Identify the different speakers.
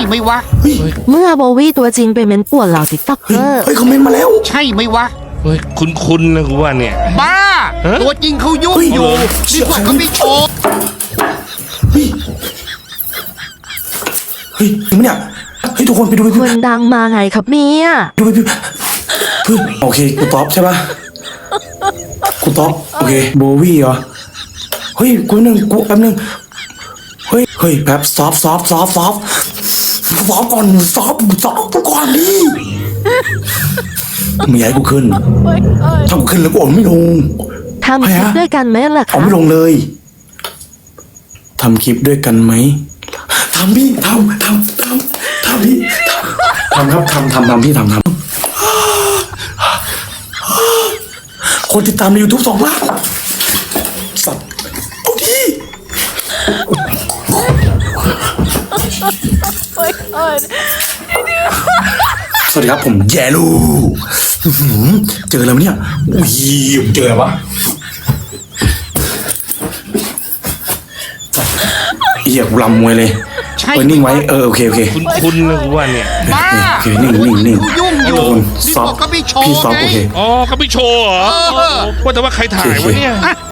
Speaker 1: ไหมวะ
Speaker 2: เมื่อโบวี่ตัวจริงไปเม้นป่วนเหล่าติ๊กต็อกเกอร์
Speaker 3: เฮ้ยคอมเมนต์มาแล้ว
Speaker 1: ใช่ไหมวะ
Speaker 4: เฮ้ยคุ้นๆนะกูว่าเนี่ย
Speaker 1: บ้า
Speaker 4: ฮะ
Speaker 1: ตัวจริงเขายุ่งอยู่
Speaker 3: เฮ้ย
Speaker 1: นี่พวกเขาไม่โชว์
Speaker 3: เฮ้ยเฮ้ยจริงปะเนี่ยเฮ้ยทุกคนไปดูไป
Speaker 2: ค
Speaker 3: ดู
Speaker 2: นดังมาไงครับเนี่ย
Speaker 3: ดูไปดูเฮ้ยโอเคกูตอบใช่ปะกูตอบโอเคโบวี่เหรอเฮ้ยกูแป๊บนึงเฮ้ยแป๊บซอฟก่อนซอฟกูก่อนดิไม่อยากให้กูขึ้นถ้ากูขึ้นแล้วกูอ่อนไม่ลง
Speaker 2: ทำคลิปด้วยกันไหมล่ะ
Speaker 3: เอา
Speaker 2: คะ
Speaker 3: ไม่ลงเลยทำคลิปด้วยกันไหมทำพี่ทำพี่ทำครับทำพี่ทำคนติดตามใน YouTube 2 ล้านสัตว์เอาดิสวัสดีครับผมแย่ลูเจอแล้วเนี่ยอุ้ยเจอแล้ววะเหี้ยกูรำมวยเลย
Speaker 1: ใช่
Speaker 3: นิ่งไว้โอเค
Speaker 4: คุ้นๆนะกูว่าเนี่ย
Speaker 1: บ้า
Speaker 3: โอเคนิ่ง
Speaker 1: เขายุ่งอยู่
Speaker 3: ทุกคน
Speaker 1: นี่
Speaker 3: ซอ
Speaker 1: พ
Speaker 3: ฟ
Speaker 1: วกเขาไม่โชว์
Speaker 3: พี่ซอฟ
Speaker 1: ไง
Speaker 3: โอเค
Speaker 4: อ๋อเขาไม่โชว์เหรอ
Speaker 1: เออ
Speaker 4: ว่าแต่ว่าใครถ่ายวะเนี่ย